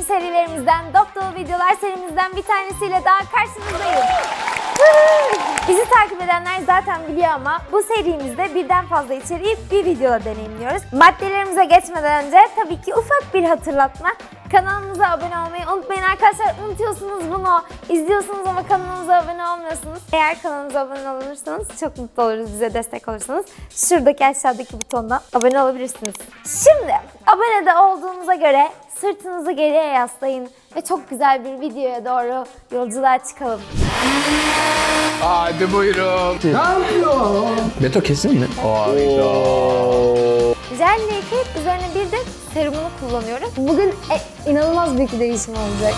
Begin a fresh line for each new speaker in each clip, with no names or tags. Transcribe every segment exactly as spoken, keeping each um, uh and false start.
Tüm serilerimizden, dop dolu videolar serimizden bir tanesiyle daha karşınızdayım. Bizi takip edenler zaten biliyor ama bu serimizde birden fazla içeriği bir videoda deneyimliyoruz. Maddelerimize geçmeden önce tabii ki ufak bir hatırlatma. Kanalımıza abone olmayı unutmayın arkadaşlar. Unutuyorsunuz bunu. İzliyorsunuz ama kanalımıza abone olmuyorsunuz. Eğer kanalımıza abone olursanız çok mutlu oluruz. Bize destek olursanız şuradaki aşağıdaki butondan abone olabilirsiniz. Şimdi abone de olduğunuza göre sırtınızı geriye yaslayın ve çok güzel bir videoya doğru yolculuğa çıkalım.
Hadi buyurun.
Ne yapıyor?
Beto kesin mi? Hayda.
Jelle yıkayıp üzerine bir de serumunu kullanıyorum. Bugün e, inanılmaz büyük bir değişim olacak.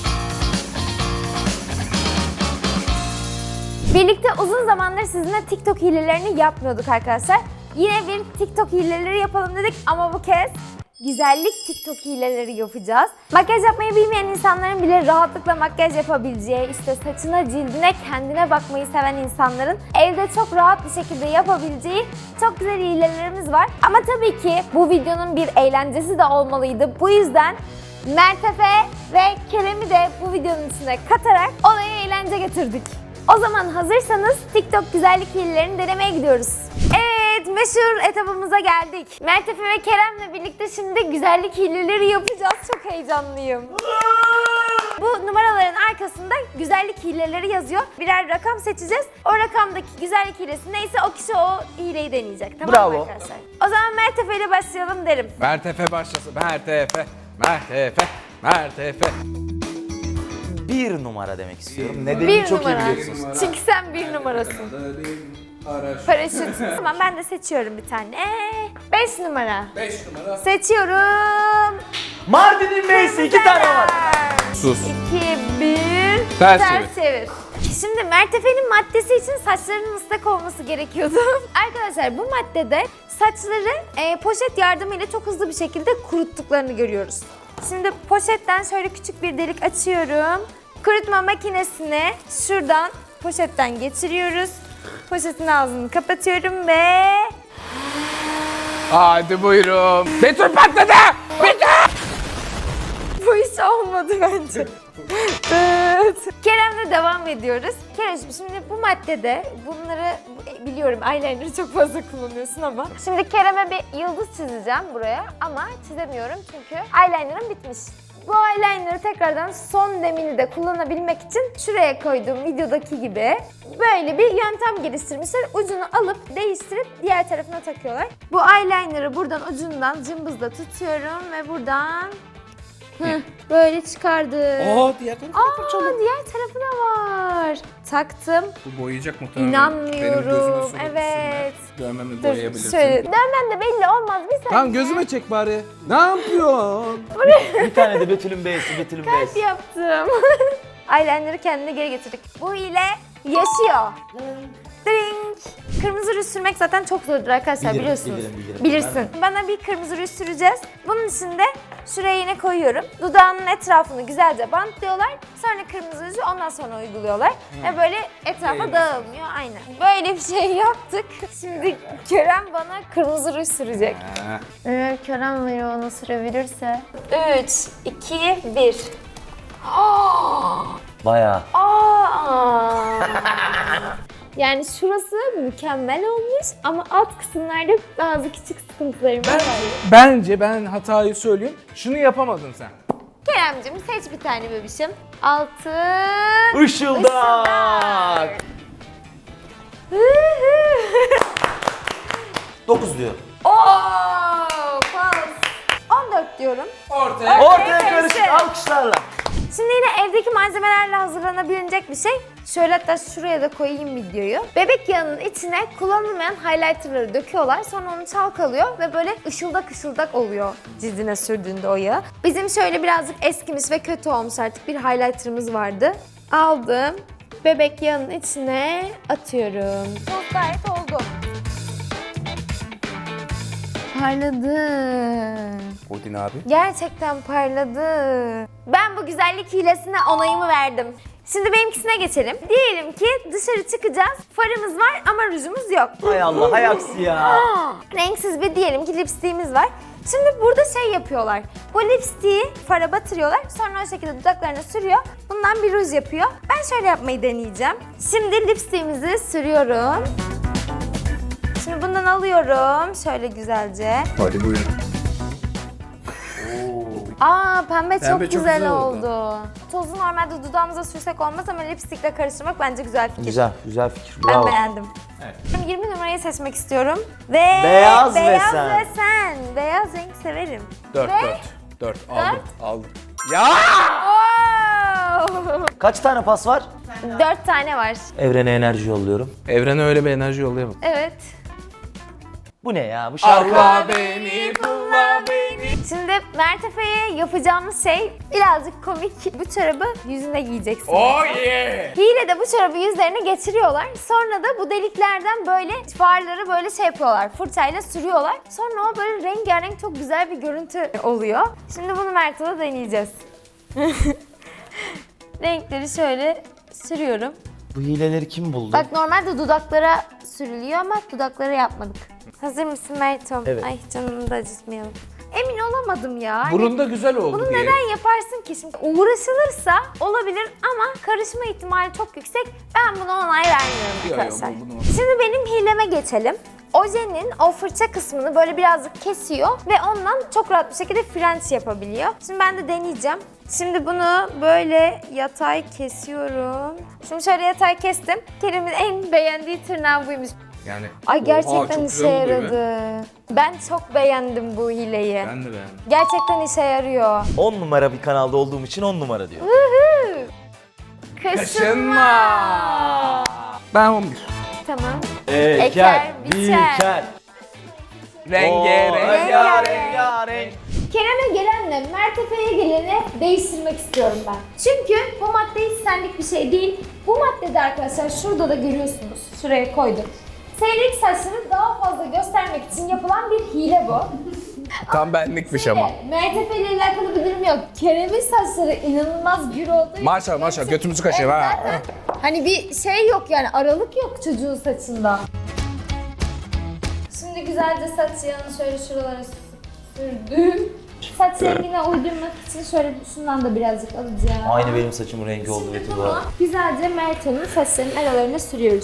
Birlikte uzun zamandır sizinle TikTok hilelerini yapmıyorduk arkadaşlar. Yine bir TikTok hileleri yapalım dedik ama bu kez güzellik TikTok hileleri yapacağız. Makyaj yapmayı bilmeyen insanların bile rahatlıkla makyaj yapabileceği, işte saçına, cildine, kendine bakmayı seven insanların evde çok rahat bir şekilde yapabileceği çok güzel hilelerimiz var. Ama tabii ki bu videonun bir eğlencesi de olmalıydı. Bu yüzden Mert Efe ve Kerem'i de bu videonun içine katarak olaya eğlence getirdik. O zaman hazırsanız TikTok güzellik hilelerini denemeye gidiyoruz. Evet, meşhur etapımıza geldik. Mert Efe ve Kerem'le birlikte şimdi güzellik hileleri yapacağız. Çok heyecanlıyım. Bu numaraların arkasında güzellik hileleri yazıyor. Birer rakam seçeceğiz. O rakamdaki güzellik hilesi neyse o kişi o hileyi deneyecek. Tamam
Bravo.
mı arkadaşlar? O zaman Mert Efe ile başlayalım derim.
Mert Efe başlasın. Mert Efe. Mert Efe. Mert Efe.
Bir numara demek istiyorum.
Bir
Nedenini çok
numara.
iyi biliyorsunuz.
Çünkü sen bir numarasın. Paraşüt. Tamam ben de seçiyorum bir tane. Beş numara.
Beş numara.
Seçiyorum.
Mardin'in Bey'si iki tane var.
Sus.
iki, bir.
Ters
çevir. Şimdi Mert Efe'nin maddesi için saçlarının ıslak olması gerekiyordu. Arkadaşlar bu maddede saçları e, poşet yardımıyla çok hızlı bir şekilde kuruttuklarını görüyoruz. Şimdi poşetten şöyle küçük bir delik açıyorum. Kurutma makinesine şuradan poşetten geçiriyoruz. Poşetin ağzını kapatıyorum ve...
Hadi buyurun. Beto patladı. Beto.
Bu iş olmadı bence. Evet. Kerem'le devam ediyoruz. Kerem'ciğim şimdi bu maddede bunları biliyorum eyeliner'ı çok fazla kullanıyorsun ama. Şimdi Kerem'e bir yıldız çizeceğim buraya ama çizemiyorum çünkü eyeliner'ım bitmiş. Bu eyeliner'ı tekrardan son demini de kullanabilmek için şuraya koyduğum videodaki gibi böyle bir yöntem geliştirmişler. Ucunu alıp değiştirip diğer tarafına takıyorlar. Bu eyeliner'ı buradan ucundan cımbızla tutuyorum ve buradan Heh, böyle çıkardım.
Oo diğer tarafı
Aa, diğer tarafı da var. Taktım.
Bu boyayacak muhtemelen.
İnanmıyorum. Evet.
Dövmemi
Dur,
boyayabilirsin.
şöyle. Dövmen de belli olmaz bir saniye.
Tamam gözüme çek bari. Ne yapıyorsun?
Bir tane de Betül'ün Bey'si, Betül'ün
Kalp
Bey'si.
yaptım. Eyeliner'ı kendine geri getirdik. Bu ile yaşıyor. Drink. Kırmızı ruj sürmek zaten çok zordur arkadaşlar
Bilirim,
biliyorsunuz.
bilirim, bilirim.
Bilirsin. Bana bir kırmızı ruj süreceğiz. Bunun için de şuraya yine koyuyorum. Dudağının etrafını güzelce bantlıyorlar. Sonra kırmızı ruju ondan sonra uyguluyorlar. Ve böyle etrafa dağılmıyor. Aynen. Böyle bir şey yaptık. Şimdi Kerem bana kırmızı ruj sürecek.
Ha.
Eğer Kerem beni ona sürebilirse. üç, iki, bir.
Bayağı.
Aa! Yani şurası mükemmel olmuş ama alt kısımlarda bazı küçük sıkıntılarım var.
Bence ben hatayı söyleyeyim. Şunu yapamadın sen.
Keremcim seç bir tane bebişim. Altı...
Işıldak. Dokuz diyor.
Ooo! Pas! on dört diyorum.
Ortaya.
Ortaya
karışık.
karışık alkışlarla.
Şimdi yine evdeki malzemelerle hazırlanabilecek bir şey. Şöyle hatta şuraya da koyayım videoyu. Bebek yağının içine kullanılmayan highlighterları döküyorlar. Sonra onu çalkalıyor ve böyle ışıldak ışıldak oluyor cildine sürdüğünde o yağı. Bizim şöyle birazcık eskimiş ve kötü olmuş artık bir highlighterımız vardı. Aldım. Bebek yağının içine atıyorum. Çok gayet oldu. Parladı.
Odin abi.
Gerçekten parladı. Ben bu güzellik hilesine onayımı verdim. Şimdi benimkisine geçelim. Diyelim ki dışarı çıkacağız. Farımız var ama rujumuz yok.
Hay Allah, hay aksi ya.
Aa, renksiz bir diyelim ki lipstiğimiz var. Şimdi burada şey yapıyorlar. Bu lipstick'i fara batırıyorlar. Sonra o şekilde dudaklarına sürüyor. Bundan bir ruj yapıyor. Ben şöyle yapmayı deneyeceğim. Şimdi lipstick'imizi sürüyorum. Şimdi bundan alıyorum. Şöyle güzelce.
Hadi buyurun.
Aa pembe,
Pembe
çok,
çok
güzel,
güzel oldu.
oldu. Tozu normalde dudağımıza sürsek olmaz ama lipstick'le karıştırmak bence güzel fikir.
Güzel, güzel fikir.
Ben
Bravo.
beğendim.
Evet.
Şimdi yirmi numarayı seçmek istiyorum. Ve
Beyaz ve
beyaz
sen.
ve sen. Beyaz renk severim.
Dört,
Ve-
dört. Dört. Aldım, aldım. Ya!
Oo!
Kaç tane pas var?
Dört tane var.
Evrene enerji yolluyorum.
Evrene öyle bir enerji yollayamam.
Evet.
Bu ne ya? Bu şarkı.
Allah beni, bulla beni.
Şimdi Mert Efe'ye yapacağımız şey birazcık komik. Bu çorabı yüzüne giyeceksin.
Oh yeah!
Hile de bu çorabı yüzlerine geçiriyorlar. Sonra da bu deliklerden böyle farları böyle şey yapıyorlar. Fırçayla sürüyorlar. Sonra o böyle rengarenk çok güzel bir görüntü oluyor. Şimdi bunu Mert'e de deneyeceğiz. Renkleri şöyle sürüyorum.
Bu hileleri kim buldu?
Bak normalde dudaklara sürülüyor ama dudaklara yapmadık. Hazır mısın Mert'im?
Evet.
Ay canını da acıtmayalım. Emin olamadım ya. Hani
Burun da güzel oldu
bunu
diye.
neden yaparsın ki? Şimdi uğraşılırsa olabilir ama karışma ihtimali çok yüksek. Ben buna onay vermiyorum
Yok, yok,
arkadaşlar.
bu- bunu-
Şimdi benim hileme geçelim. Ojenin o fırça kısmını böyle birazcık kesiyor ve ondan çok rahat bir şekilde frenç yapabiliyor. Şimdi ben de deneyeceğim. Şimdi bunu böyle yatay kesiyorum. Şimdi şöyle yatay kestim. Kerem'in en beğendiği tırnağı buymuş.
Yani.
Ay
Oha,
gerçekten
çok
işe
güzel oldu değil mi?
yaradı. Ben çok beğendim bu hileyi.
Ben de beğendim.
Gerçekten işe yarıyor.
on numara bir kanalda olduğum için on numara diyor.
Woohoo! Kaşınma.
Kaşınma. Ben on bir.
Tamam.
Eker,
biçer.
biçer.
Renge,
Oo,
renge.
rengarenk, rengarenk.
Kerem'e gelenle Mert Efe'ye geleni değiştirmek istiyorum ben. Çünkü bu madde hiç senlik bir şey değil. Bu maddede arkadaşlar şurada da görüyorsunuz. Şuraya koydum. Seyrek saçları daha fazla göstermek için yapılan bir hile bu.
Tam benlikmiş ama.
Mert Efe ile alakalı bir durum yok. Kerem'in saçları inanılmaz gür olduğu için-
Maşallah maşallah götümüzü kaşıyım
Evet,
ha.
zaten hani bir şey yok yani aralık yok çocuğun saçında. Şimdi güzelce saç yağını şöyle şuralara sürdüm. Saç rengine uydurmak için şöyle şundan da birazcık alacağım.
Aynı benim saçımın rengi oldu
Şimdi
Betül bu
bunu
arada.
güzelce Mert'in saçlarının aralarına sürüyoruz.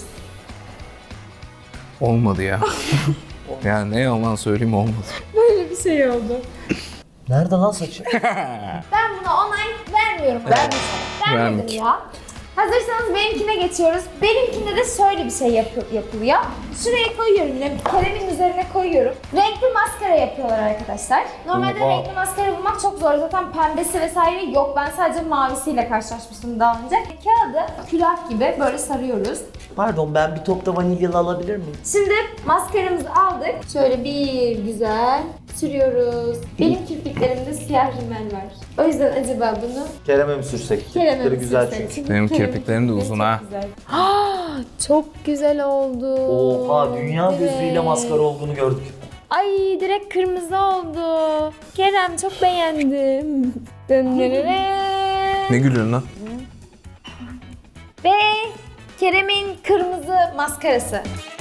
Olmadı ya. Yani ne yalan söyleyeyim olmadı.
Böyle bir şey oldu.
Nerede lan saçı?
Ben buna onay vermiyorum. Vermedim. Vermedim
Vermek.
ya. Hazırsanız benimkine geçiyoruz. Benimkinde de şöyle bir şey yap- yapılıyor. Şuraya koyuyorum, yine Kerem'in üzerine koyuyorum. Renkli maskara yapıyorlar arkadaşlar. Normalde
Oha.
renkli maskara bulmak çok zor. Zaten pembesi vesaire yok. Ben sadece mavisiyle karşılaşmıştım daha önce. Kağıdı külah gibi böyle sarıyoruz.
Pardon, ben bir topta vanilyalı alabilir miyim?
Şimdi maskaramızı aldık. Şöyle bir güzel sürüyoruz. Benim kirpiklerimde siyah rimel var. O yüzden acaba bunu
Kerem'e mi sürsek?
Kerem'e
Kirpikleri
mi
güzel
sürsek?
çünkü.
Çünkü
Benim
Kerem'in
kirpiklerim de
kirpikleri
uzun
çok
ha.
güzel. Çok güzel oldu.
Oha, dünya
Direkt.
gözüyle maskara olduğunu gördük.
Ay direkt kırmızı oldu. Kerem çok beğendim. Döndürürüm.
Ne gülüyorsun lan?
Ve Kerem'in kırmızı maskarası.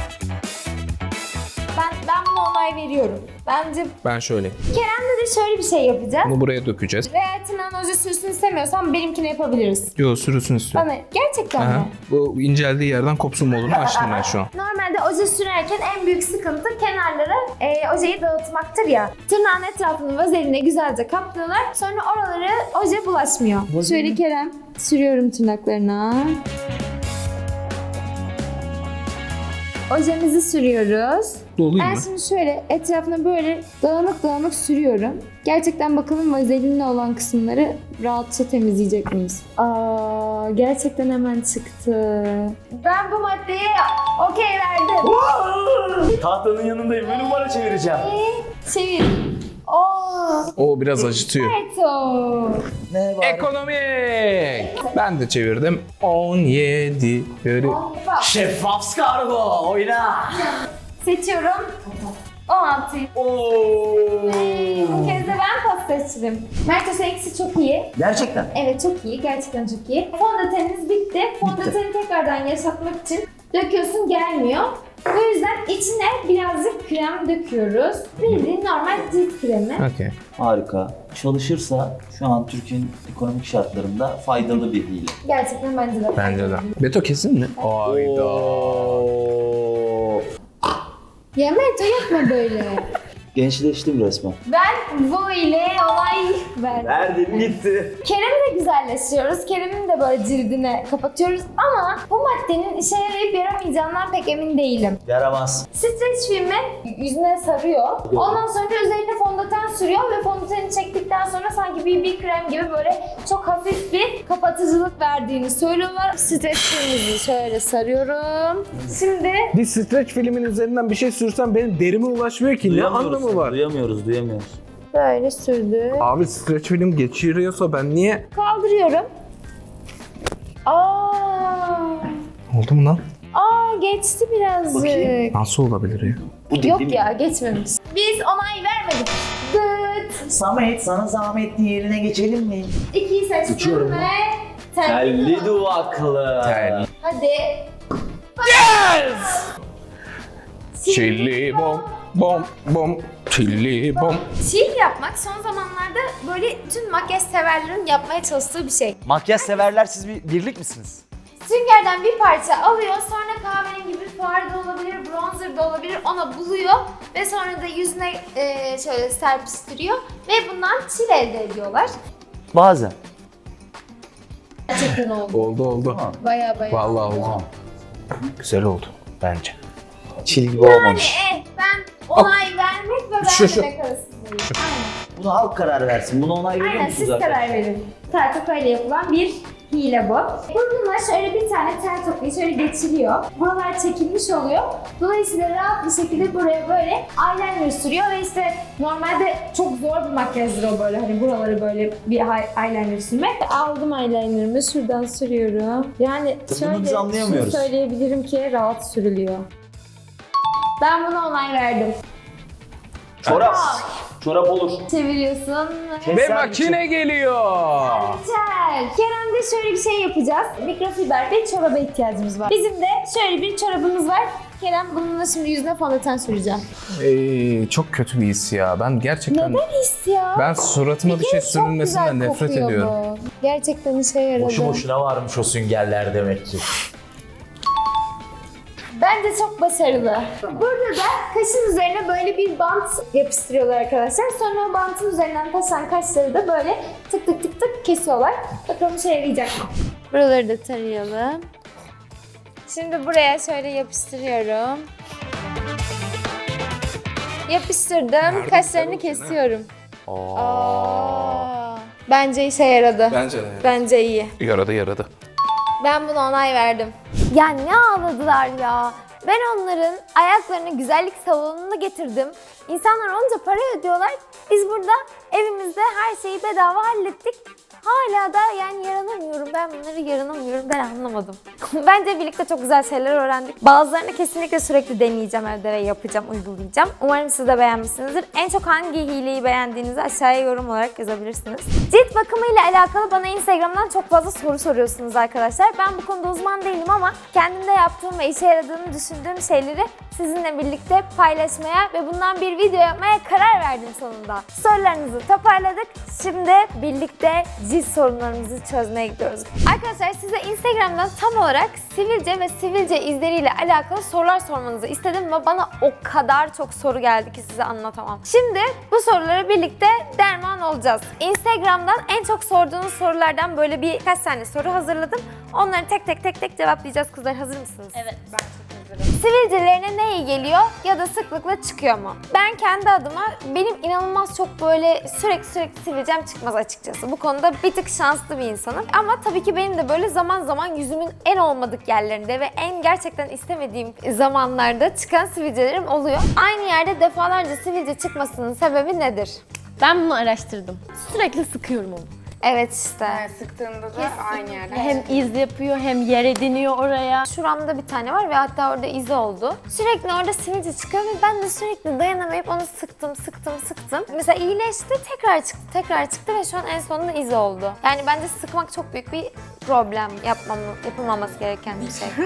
Ben ben buna onay veriyorum. Bence
Ben şöyle.
Kerem'de de şöyle bir şey yapacağız.
Bunu buraya dökeceğiz.
Ve tırnağın oje sürsün istemiyorsan benimkini yapabiliriz.
Yo sürüsün istiyorum.
Bana gerçekten
Aha.
mi?
Bu inceldiği yerden kopsun modunu açtım ben şu an.
Normalde oje sürerken en büyük sıkıntı kenarlara e, ojeyi dağıtmaktır ya. Tırnağın etrafını vazeline güzelce kaplıyorlar. Sonra oralara oje bulaşmıyor. Şöyle Kerem sürüyorum tırnaklarına. Ojemizi sürüyoruz.
Dolayım
Ben
mı?
şimdi şöyle etrafına böyle dağınık dağınık sürüyorum. Gerçekten bakalım vazelinle olan kısımları rahatça temizleyecek miyiz? Aa, gerçekten hemen çıktı. Ben bu maddeye okey verdim.
Tahtanın yanındayım ve numara çevireceğim.
Ee, Çevir. Oo.
O biraz acıtıyor.
Evet o.
Ne var?
Ekonomik. Ben de çevirdim. on yedi. Yürü.
Bak,
Şeffaf kargo, oyna.
seçiyorum. on altı.
Oo.
Bu kez de ben pas seçtim. Mert seninkisi çok iyi.
Gerçekten.
Evet çok iyi. Gerçekten çok iyi. Fondöteniniz bitti. Fondöteni tekrardan yaşatmak için döküyorsun gelmiyor. Bu yüzden içine birazcık krem döküyoruz. Bildiğin normal cilt kremi.
Okey.
Harika. Çalışırsa şu an Türkiye'nin ekonomik şartlarında faydalı bir hile.
Gerçekten bence de.
Bence de. Beto kesin mi? Ayda.
Oo.
Ya Merto yapma böyle.
Gençleştim resmen.
Ben bu ile olay verdim.
Verdim gitti.
Kerem'i de güzelleştiriyoruz. Kerem'in de böyle cildine kapatıyoruz. Ama bu maddenin işe yarayıp yaramayacağından pek emin değilim.
Yaramaz.
Streç filmi yüzüne sarıyor. Ondan sonra da üzerine fondöten sürüyor ve fondöteni çektikten sonra sanki B B krem gibi böyle çok hafif bir kapatıcılık verdiğini söylüyorlar. Streç filmimizi şöyle sarıyorum. Şimdi
Bir streç filmin üzerinden bir şey sürsem benim derime ulaşmıyor ki. Ne anlamı var?
Duyamıyoruz, duyamıyoruz.
böyle sürdüm.
Abi streç film geçiriyorsa ben niye?
Kaldırıyorum. Aa,
Oldu mu lan?
aa geçti birazcık.
Bakayım.
Nasıl olabilir ya?
Bu
Yok
dediğim-
ya geçmemiş. Biz onay vermedik. Dıt.
Samet, sana zahmetli yerine geçelim mi?
İkiyi seçtim
Uçuyorum
ve
Telli duvaklı.
Tel.
Hadi.
Çilli bom bom bom. Çilli bom.
Çil yapmak son zamanlarda böyle tüm makyaj severlerin yapmaya çalıştığı bir şey.
Makyaj severler, siz bir birlik misiniz?
Süngerden bir parça alıyor, sonra kahverengi bir far da olabilir, bronzer da olabilir, ona buluyor ve sonra da yüzüne e, şöyle serpiştiriyor ve bundan çil elde ediyorlar.
Bazen.
Gerçekten oldu.
Oldu oldu.
Tamam.
Baya baya.
Vallahi oldu.
Tamam.
Güzel oldu bence.
Çil gibi
Yani
olmamış.
eh, ben onay vermek ve
Şu, şu.
vermemek arasındayım. Aynen.
Buna halk karar versin. Buna onay veriyor
Aynen
musunuz
siz
arkadaşlar?
karar verin. Tel tokayla yapılan bir hile bu. Burnuna şöyle bir tane tel tokayı şöyle geçiriyor. Buralar çekilmiş oluyor. Dolayısıyla rahat bir şekilde buraya böyle eyeliner sürüyor ve işte normalde çok zor bir makyajdır o böyle hani buraları böyle bir hi- eyeliner sürmek. Aldım eyelinerımı şuradan sürüyorum. Yani
Bunu
şöyle
biz
şunu
anlayamıyoruz.
söyleyebilirim ki rahat sürülüyor. Ben buna onay verdim.
Çorap. Çorap olur.
Çeviriyorsun.
Ve
Keser
makine geliyor.
Güzel. Kerem'de şöyle bir şey yapacağız. Mikrofiber bir çoraba ihtiyacımız var. Bizim de şöyle bir çorabımız var. Kerem bununla şimdi yüzüne fondöten süreceğim.
Ee, çok kötü bir his ya. Ben gerçekten
Neden his ya?
ben suratıma bir şey
kere çok
sürülmesinden
güzel
nefret
kokuyor
ediyorum.
bu. Gerçekten işe yaradı.
Boşu boşuna varmış o süngerler demek ki.
Bence çok başarılı. Burada da kaşın üzerine böyle bir bant yapıştırıyorlar arkadaşlar. Sonra o bantın üzerinden taşan kaşları da böyle tık tık tık tık kesiyorlar. Bakalım işe yarayacak mı? Buraları da tarayalım. Şimdi buraya şöyle yapıştırıyorum. Yapıştırdım. Kaşlarını kesiyorum. Aa. Bence işe yaradı.
Bence de.
Bence iyi.
Yaradı yaradı.
Ben buna onay verdim. Ya ne ağladılar ya. Ben onların ayaklarını güzellik salonuna getirdim. İnsanlar onca para ödüyorlar. Biz burada evimizde her şeyi bedava hallettik. Hala da yani yaranamıyorum. Ben bunları yaranamıyorum. Ben anlamadım. Bence birlikte çok güzel şeyler öğrendik. Bazılarını kesinlikle sürekli deneyeceğim evde ve yapacağım, uygulayacağım. Umarım siz de beğenmişsinizdir. En çok hangi hileyi beğendiğinizi aşağıya yorum olarak yazabilirsiniz. Cilt bakımı ile alakalı bana Instagram'dan çok fazla soru soruyorsunuz arkadaşlar. Ben bu konuda uzman değilim ama kendimde yaptığım ve işe yaradığını düşündüğüm şeyleri sizinle birlikte paylaşmaya ve bundan bir video yapmaya karar verdim sonunda. Sorularınızı toparladık. Şimdi birlikte cilt sorunlarımızı çözmeye gidiyoruz. Arkadaşlar size Instagram'dan tam olarak sivilce ve sivilce izleriyle alakalı sorular sormanızı istedim ve bana o kadar çok soru geldi ki size anlatamam. Şimdi bu sorulara birlikte derman olacağız. Instagram'dan en çok sorduğunuz sorulardan böyle birkaç tane soru hazırladım. Onları tek tek tek tek cevaplayacağız kızlar. Hazır mısınız? Evet, ben çok hazırım. Sivilcelerine ne iyi geliyor ya da sıklıkla çıkıyor mu? Ben kendi adıma benim inanılmaz çok böyle sürekli sürekli sivilcem çıkmaz açıkçası. Bu konuda bir tık şanslı bir insanım. Ama tabii ki benim de böyle zaman zaman yüzümün en olmadık yerlerinde ve en gerçekten istemediğim zamanlarda çıkan sivilcelerim oluyor. Aynı yerde defalarca sivilce çıkmasının sebebi nedir?
Ben bunu araştırdım. Sürekli sıkıyorum onu.
Evet işte.
Yani sıktığında da aynı yerde.
Hem iz yapıyor hem yer ediniyor oraya.
Şuramda bir tane var ve hatta orada izi oldu. Sürekli orada sivilce çıkıyor ve ben de sürekli dayanamayıp onu sıktım, sıktım, sıktım. Mesela iyileşti, tekrar çıktı, tekrar çıktı ve şu an en sonunda izi oldu. Yani bence sıkmak çok büyük bir problem. Yapmam, yapılmaması gereken bir şey.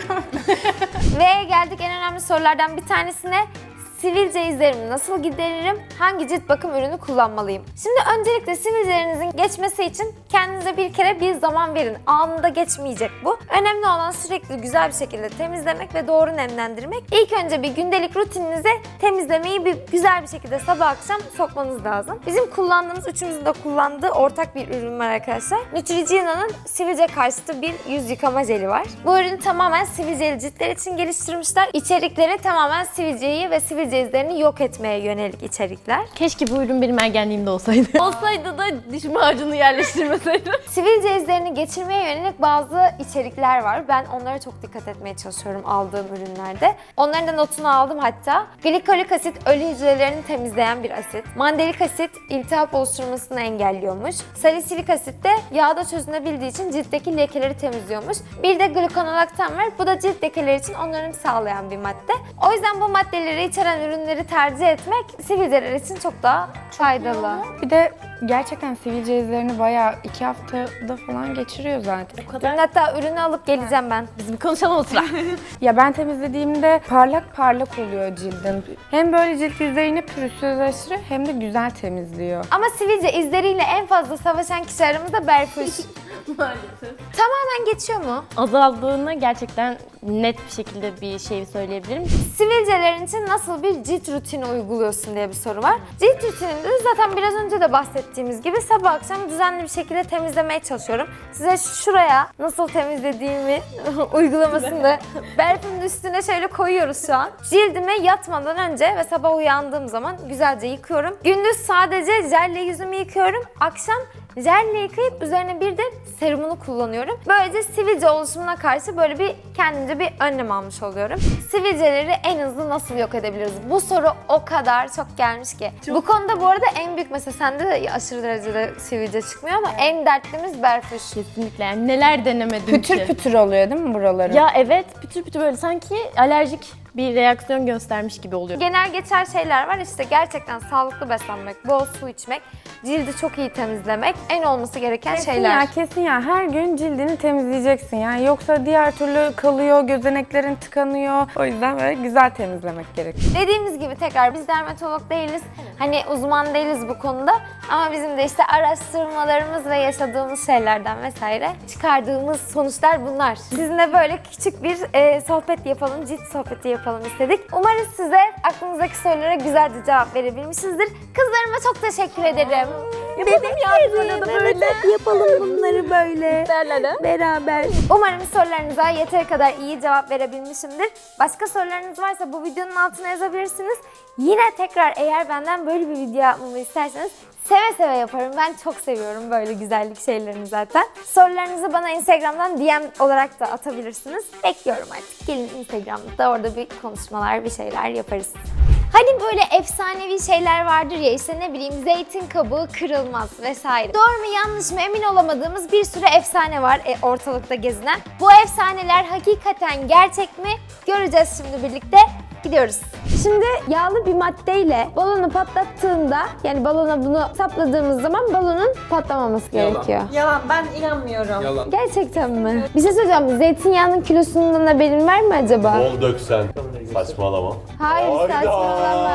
Ve geldik en önemli sorulardan bir tanesine. Sivilce izlerimi nasıl gideririm? Hangi cilt bakım ürünü kullanmalıyım? Şimdi öncelikle sivilcelerinizin geçmesi için kendinize bir kere bir zaman verin. Anında geçmeyecek bu. Önemli olan sürekli güzel bir şekilde temizlemek ve doğru nemlendirmek. İlk önce bir gündelik rutininize temizlemeyi bir güzel bir şekilde sabah akşam sokmanız lazım. Bizim kullandığımız, üçümüzün de kullandığı ortak bir ürün var arkadaşlar. Neutrogena'nın sivilce karşıtı bir yüz yıkama jeli var. Bu ürünü tamamen sivilceli ciltler için geliştirmişler. İçerikleri tamamen sivilceyi ve sivilce izlerini yok etmeye yönelik içerikler.
Keşke bu ürün benim ergenliğimde olsaydı. Olsaydı da diş macunu yerleştirmeseydim.
Sivilce izlerini geçirmeye yönelik bazı içerikler var. Ben onlara çok dikkat etmeye çalışıyorum aldığım ürünlerde. Onların da notunu aldım hatta. Glikolik asit ölü hücrelerini temizleyen bir asit. Mandelik asit iltihap oluşturmasını engelliyormuş. Salisilik asit de yağda çözünebildiği için ciltteki lekeleri temizliyormuş. Bir de glukonolaktan var. Bu da cilt lekeleri için onarım sağlayan bir madde. O yüzden bu maddeleri içeren ürünleri tercih etmek sivilceler için çok daha faydalı.
Bir de gerçekten sivilce izlerini bayağı iki haftada falan geçiriyor zaten.
Ben hatta ürünü alıp geleceğim ben.
Biz bir konuşalım o sıra.
Ya ben temizlediğimde parlak parlak oluyor cildim. Hem böyle cilt yüzeyini pürüzsüzleştiriyor hem de güzel temizliyor.
Ama sivilce izleriyle en fazla savaşan kişi aramızda Berfuş.
Maalesef.
Tamamen geçiyor mu?
Azaldığını gerçekten net bir şekilde bir şey söyleyebilirim.
Sivilcelerin için nasıl bir cilt rutini uyguluyorsun diye bir soru var. Cilt rutininde de zaten biraz önce de bahsettiğimiz gibi sabah akşam düzenli bir şekilde temizlemeye çalışıyorum. Size şuraya nasıl temizlediğimi uygulamasını da Berfu'nun üstüne şöyle koyuyoruz şu an. Cildime yatmadan önce ve sabah uyandığım zaman güzelce yıkıyorum. Gündüz sadece jelle yüzümü yıkıyorum. Akşam jelle yıkayıp üzerine bir de serumunu kullanıyorum. Böylece sivilce oluşumuna karşı böyle bir kendimce bir önlem almış oluyorum. Sivilceleri en hızlı nasıl yok edebiliriz? Bu soru o kadar çok gelmiş ki. Bu konuda bu arada en büyük mesela sende de aşırı derecede sivilce çıkmıyor ama en dertlimiz Berfuş.
Kesinlikle yani neler denemedim
Pütür
ki.
pütür oluyor değil mi buraları?
Ya evet pütür pütür böyle sanki alerjik bir reaksiyon göstermiş gibi oluyor.
Genel geçer şeyler var işte gerçekten sağlıklı beslenmek, bol su içmek, cildi çok iyi temizlemek en olması gereken
Kesin
şeyler.
ya kesin ya her gün cildini temizleyeceksin yani yoksa diğer türlü kalıyor, gözeneklerin tıkanıyor. O yüzden böyle güzel temizlemek gerekiyor.
Dediğimiz gibi tekrar biz dermatolog değiliz. Hani uzman değiliz bu konuda. Ama bizim de işte araştırmalarımız ve yaşadığımız şeylerden vesaire çıkardığımız sonuçlar bunlar. Sizinle böyle küçük bir e, sohbet yapalım, cilt sohbeti yapalım istedik. Umarız size aklınızdaki sorulara güzelce cevap verebilmişizdir. Kızlarıma çok teşekkür ederim.
Yapalım ya da böyle.
Yapalım bunları böyle. Beraber. Umarım sorularınıza yeteri kadar iyi cevap verebilmişimdir. Başka sorularınız varsa bu videonun altına yazabilirsiniz. Yine tekrar eğer benden böyle bir video yapmamı isterseniz seve seve yaparım. Ben çok seviyorum böyle güzellik şeylerini zaten. Sorularınızı bana Instagram'dan D M olarak da atabilirsiniz. Bekliyorum artık. Gelin Instagram'da orada bir konuşmalar, bir şeyler yaparız. Hani böyle efsanevi şeyler vardır ya işte ne bileyim zeytin kabuğu kırılmaz vesaire. Doğru mu yanlış mı emin olamadığımız bir sürü efsane var e, ortalıkta gezinen. Bu efsaneler hakikaten gerçek mi? Göreceğiz şimdi birlikte. Gidiyoruz. Şimdi yağlı bir maddeyle balonu patlattığında yani balona bunu sapladığımız zaman balonun patlamaması
Yalan.
gerekiyor.
Yalan, ben inanmıyorum.
Yalan.
Gerçekten mi? Bir şey söyleyeceğim. Zeytinyağının kilosundan haberin var mı acaba?
Bol döksen. Saçmalama.
Hayır
Hayda.
saçmalama.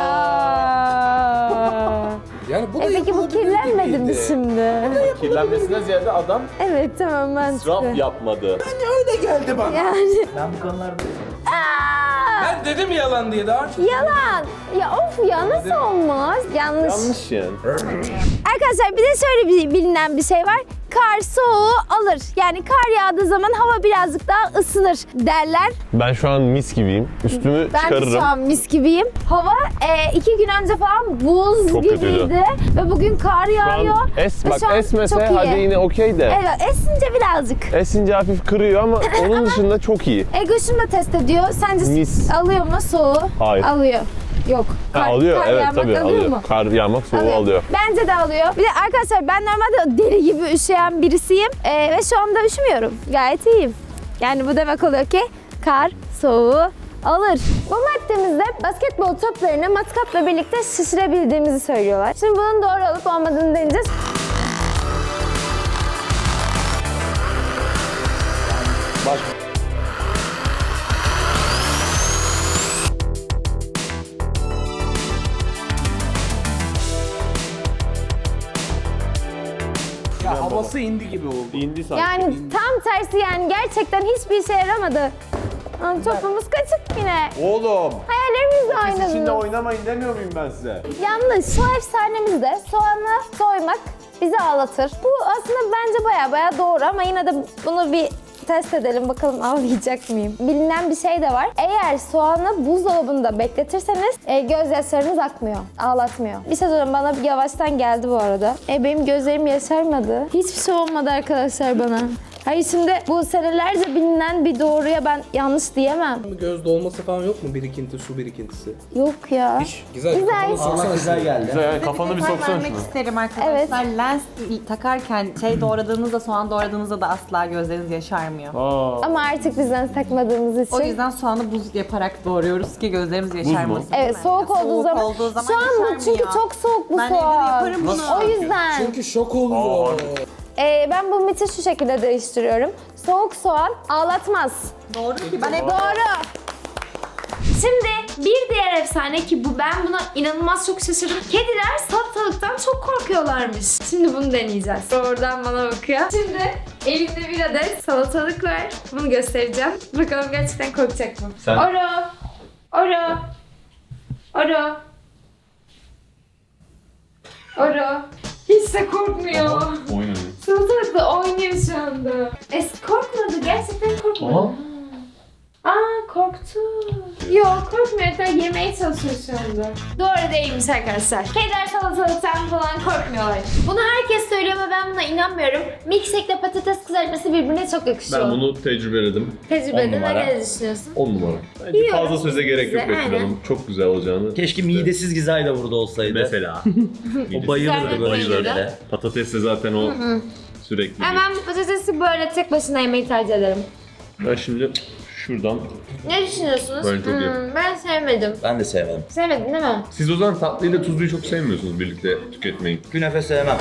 Yani bu da
E peki bu
yapılabilir
kirlenmedi mi
gibiydi.
şimdi?
Kirlenmesine ziyade adam
Evet tamam
israf
mantıklı.
yapmadı.
Öyle geldi bana.
Yani
Ben bu konularda
Ben dedim yalan diye daha önce.
yalan. Ya of ya nasıl olmaz? Yanlış.
Yanlış yani.
Arkadaşlar bir de şöyle bir bilinen bir şey var. Kar soğuğu alır. Yani kar yağdığı zaman hava birazcık daha ısınır derler.
Ben şu an mis gibiyim. Üstümü
Ben de
çıkarırım.
şu an mis gibiyim. Hava e, iki gün önce falan buz
Çok
gibiydi.
kötüydü.
Ve bugün kar
Şu
yağıyor.
an es,
Ve
bak
şu an
esmese
çok iyi.
hadi yine okey de.
Evet esince birazcık.
Esince hafif kırıyor ama onun dışında çok iyi.
Ego şunu da test ediyor. Sence
Mis.
alıyor mu soğuğu?
Hayır.
Alıyor. Yok.
Ha,
Kar,
alıyor
kar
evet
yağmak
tabii
alıyor
alıyor.
mu?
Kar yağmak soğuğu
Alıyor.
alıyor.
Bence de alıyor. Bir de arkadaşlar ben normalde deli gibi üşüyen birisiyim. Ee, ve şu anda üşümüyorum. Gayet iyiyim. Yani bu demek oluyor ki kar soğuğu alır. Bu maddemizde basketbol toplarını matkapla birlikte şişirebildiğimizi söylüyorlar. Şimdi bunun doğru olup olmadığını deneyeceğiz.
Bak.
Ya havası indi gibi oldu.
İndi sanki.
Yani tam tersi yani gerçekten hiçbir işe yaramadı. Aa, topumuz kaçık yine.
Oğlum.
Hayallerimiz de
Siz içinde
aynı.
oynamayın demiyor muyum ben size?
Yalnız şu efsanemizde soğanı soymak bizi ağlatır. Bu aslında bence baya baya doğru ama yine de bunu bir test edelim bakalım ağlayacak mıyım? Bilinen bir şey de var. Eğer soğanı buzdolabında bekletirseniz e, gözyaşlarınız akmıyor, ağlatmıyor. Bir şey söyleyeyim bana bir yavaştan geldi bu arada. E, benim gözlerim yaşarmadı. Hiçbir şey olmadı arkadaşlar bana. Hayır şimdi bu senelerce bilinen bir doğruya ben yanlış diyemem.
Göz dolması falan yok mu? Birikinti, su birikintisi.
Yok ya.
Hiç. Güzel.
Güzel.
Kafanı soksana
Allah güzel
şunu.
geldi.
Güzel, kafanı bir
Detay
soksana
vermek
şuna.
isterim arkadaşlar. Lens takarken şey doğradığınızda, soğan doğradığınızda da asla gözleriniz yaşarmıyor.
Aa.
Ama artık biz lens takmadığımız için.
O yüzden soğanı buz yaparak doğruyoruz ki gözlerimiz yaşarmasın.
Evet
değil mi?
soğuk
Ya,
olduğu zaman.
olduğu zaman
Şu an bu
yaşarmıyor.
çünkü çok soğuk bu
Ben evde de
soğan.
yaparım bunu.
O yüzden.
Çünkü şok oluyor.
Ee, ben bu miti şu şekilde değiştiriyorum. Soğuk soğan ağlatmaz.
Doğru ki ben hep
Doğru. Şimdi bir diğer efsane ki bu ben buna inanılmaz çok şaşırdım. Kediler salatalıktan çok korkuyorlarmış. Şimdi bunu deneyeceğiz. Oradan bana bakıyor. Şimdi elimde bir adet salatalık var. Bunu göstereceğim. Bakalım gerçekten korkacak mı?
Sen-
Oro. Oro. Oro. Oro. Hiç de korkmuyor.
Oyun
Salatalıkla oynuyor şu anda. Es korkmadı. Gerçekten korkmadı. Aa korktu. Yok korkmuyor. Hatta yemeye çalışıyor şu anda. Doğru değilmiş arkadaşlar. Kediler salatalıktan falan korkmuyorlar. Bunu herkes söylüyor ama ben buna inanmıyorum. Milkshake ile patates kızartması birbirine çok yakışıyor.
Ben bunu tecrübeledim.
Tecrübede
on numara.
ne düşünüyorsun?
on numara. Bence
Yiyorum.
fazla söze gerek yok
Güzel,
Betül
aynen.
Hanım. Çok güzel olacağını.
Keşke midesiz Gizay da burada olsaydı.
Mesela.
O bayılırdı böyle
Bayılırdı.
şeylere.
Patates de zaten o sürekli.
Hemen bu patatesi böyle tek başına yemeyi tercih ederim.
Ben şimdi şuradan.
Ne düşünüyorsunuz?
Ben çok yerim.
ben sevmedim.
Ben de sevmedim.
Sevmedin değil mi?
Siz o zaman tatlıyla tuzluyu çok sevmiyorsunuz birlikte tüketmeyi.
Künefe sevmem.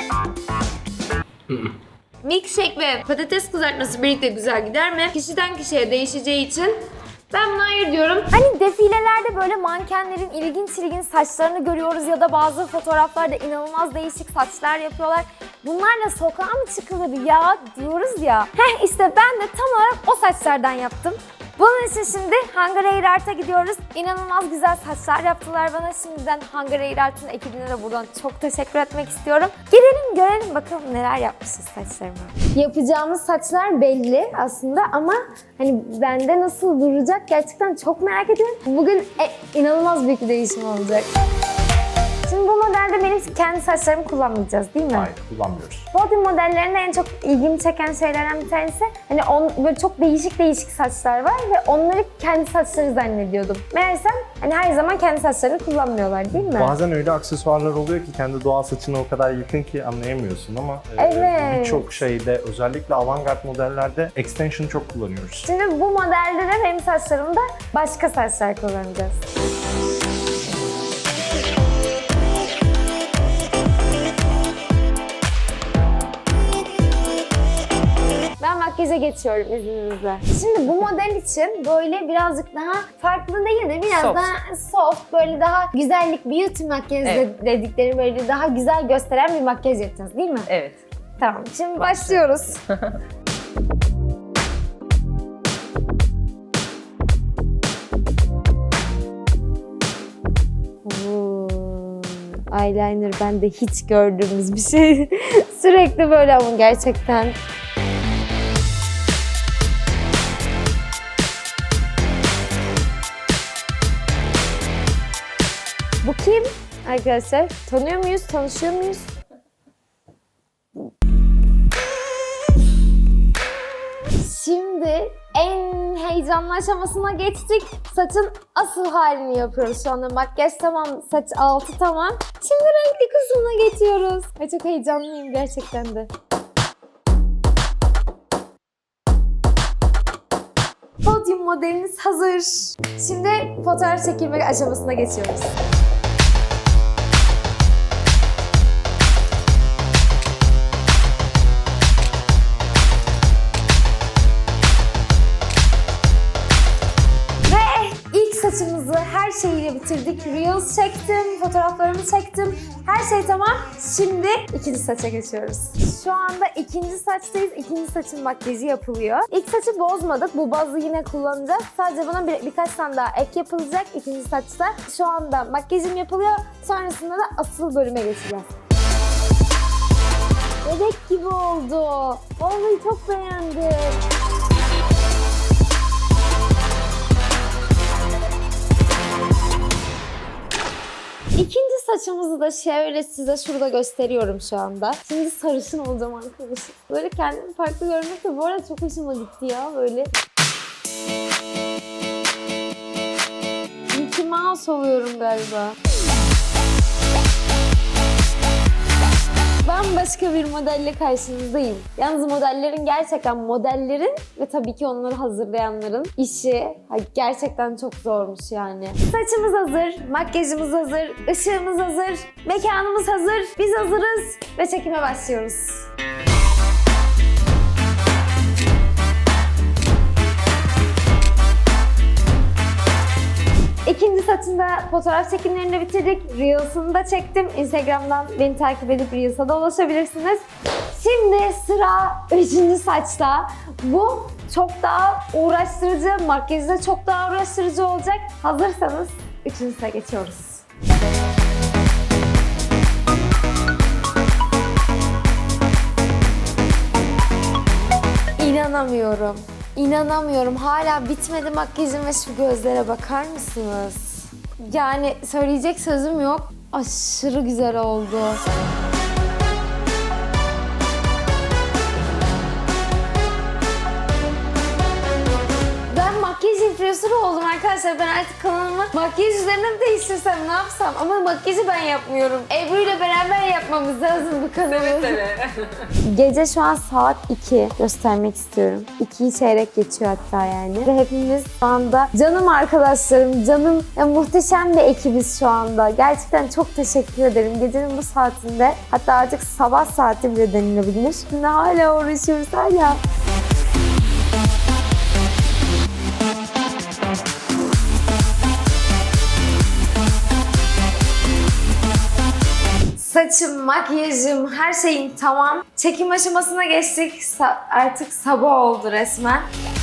Milkshake ve patates kızartması birlikte güzel gider mi? Kişiden kişiye değişeceği için ben buna hayır diyorum. Hani defilelerde böyle mankenlerin ilginç ilginç saçlarını görüyoruz ya da bazı fotoğraflarda inanılmaz değişik saçlar yapıyorlar. Bunlarla sokağa mı çıkılır ya diyoruz ya. Heh işte ben de tam olarak o saçlardan yaptım. Bunun için şimdi Hunger Hair Art'a gidiyoruz. İnanılmaz güzel saçlar yaptılar bana. Şimdiden Hunger Hair Art'ın ekibine de buradan çok teşekkür etmek istiyorum. Girelim görelim bakalım neler yapmışız saçlarıma. Yapacağımız saçlar belli aslında ama hani bende nasıl duracak gerçekten çok merak ediyorum. Bugün e, inanılmaz büyük bir değişim olacak. Şimdi bu modelde benim kendi saçlarımı kullanmayacağız değil mi?
Hayır, kullanmıyoruz.
Body modellerinde en çok ilgimi çeken şeylerden bir tanesi hani on, böyle çok değişik değişik saçlar var ve onları kendi saçları zannediyordum. Meğersem hani her zaman kendi saçlarını kullanmıyorlar değil mi?
Bazen öyle aksesuarlar oluyor ki kendi doğal saçına o kadar yakın ki anlayamıyorsun ama e,
Evet.
birçok şeyde özellikle avantgard modellerde extension çok kullanıyoruz.
Şimdi bu modelde de benim saçlarımda başka saçlar kullanacağız. Ben makyaja geçiyorum izninizle. Şimdi bu model için böyle birazcık daha farklı değil de biraz
Soft.
daha soft, böyle daha güzellik, beauty makyaj
Evet.
dedikleri böyle daha güzel gösteren bir makyaj yapacağız değil mi?
Evet.
Tamam, şimdi başlıyoruz. Oo, eyeliner bende hiç gördüğümüz bir şey. Sürekli böyle ama gerçekten. Bu kim arkadaşlar? Tanıyor muyuz? Tanışıyor muyuz? Şimdi en heyecanlı heyecanlı aşamasına geçtik. Saçın asıl halini yapıyoruz şu anda. Makyaj tamam, saç altı tamam. Şimdi renkli kısmına geçiyoruz. Ay çok heyecanlıyım gerçekten de. Podyum modeliniz hazır. Şimdi fotoğraf çekilme aşamasına geçiyoruz. Saçımızı her şeyiyle bitirdik. Reels çektim, fotoğraflarımı çektim. Her şey tamam. Şimdi ikinci saça geçiyoruz. Şu anda ikinci saçtayız. İkinci saçın makyajı yapılıyor. İlk saçı bozmadık. Bu bazı yine kullanacağız. Sadece buna bir, birkaç tane daha ek yapılacak ikinci saçta. Şu anda makyajım yapılıyor. Sonrasında da asıl bölüme geçeceğiz. Bebek gibi oldu. Vallahi çok beğendim. İkinci saçımızı da şöyle size şurada gösteriyorum şu anda. Şimdi sarışın olacağım arkadaşım. Böyle kendimi farklı görmek de bu arada çok hoşuma gitti ya böyle. Mickey Mouse oluyorum galiba. Bambaşka bir modelle karşınızdayım. Yalnız modellerin gerçekten modellerin ve tabii ki onları hazırlayanların işi gerçekten çok zormuş yani. Saçımız hazır, makyajımız hazır, ışığımız hazır, mekanımız hazır, biz hazırız ve çekime başlıyoruz. İkinci saçında fotoğraf çekimlerini de bitirdik. Reels'ını da çektim. Instagram'dan beni takip edip Reels'a da ulaşabilirsiniz. Şimdi sıra üçüncü saçta. Bu çok daha uğraştırıcı, makyajı da çok daha uğraştırıcı olacak. Hazırsanız üçüncüsine geçiyoruz. İnanamıyorum. İnanamıyorum. Hala bitmedi makyajım ve şu gözlere bakar mısınız? Yani söyleyecek sözüm yok. Aşırı güzel oldu. Ben makyaj influencer'ı oldum arkadaşlar. Ben artık kanalımı makyaj üzerine mi değiştirsem, ne yapsam? Ama makyajı ben yapmıyorum. Ebru ile beraber yapmamız lazım bu kanalı. Evet, Gece şu an saat iki. Göstermek istiyorum. ikiyi çeyrek geçiyor hatta yani. Ve hepimiz şu anda canım arkadaşlarım, canım ya, muhteşem bir ekibiz şu anda. Gerçekten çok teşekkür ederim. Gecenin bu saatinde, hatta artık sabah saati bile denilebilir. Şimdi hala uğraşıyoruz hala. Saçım, makyajım, her şeyim tamam. Çekim aşamasına geçtik. Sa- artık sabah oldu resmen.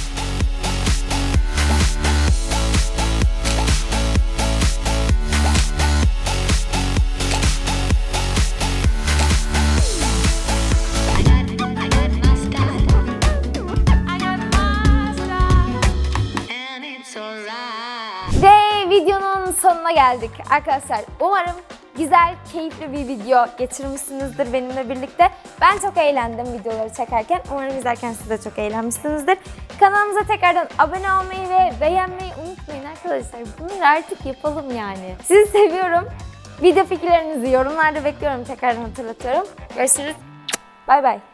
Ve videonun sonuna geldik arkadaşlar. Umarım güzel, keyifli bir video geçirmişsinizdir benimle birlikte. Ben çok eğlendim videoları çekerken. Umarım izlerken siz de çok eğlenmişsinizdir. Kanalımıza tekrardan abone olmayı ve beğenmeyi unutmayın arkadaşlar. Bunları artık yapalım yani. Sizi seviyorum. Video fikirlerinizi yorumlarda bekliyorum. Tekrardan hatırlatıyorum. Görüşürüz. Bay bay.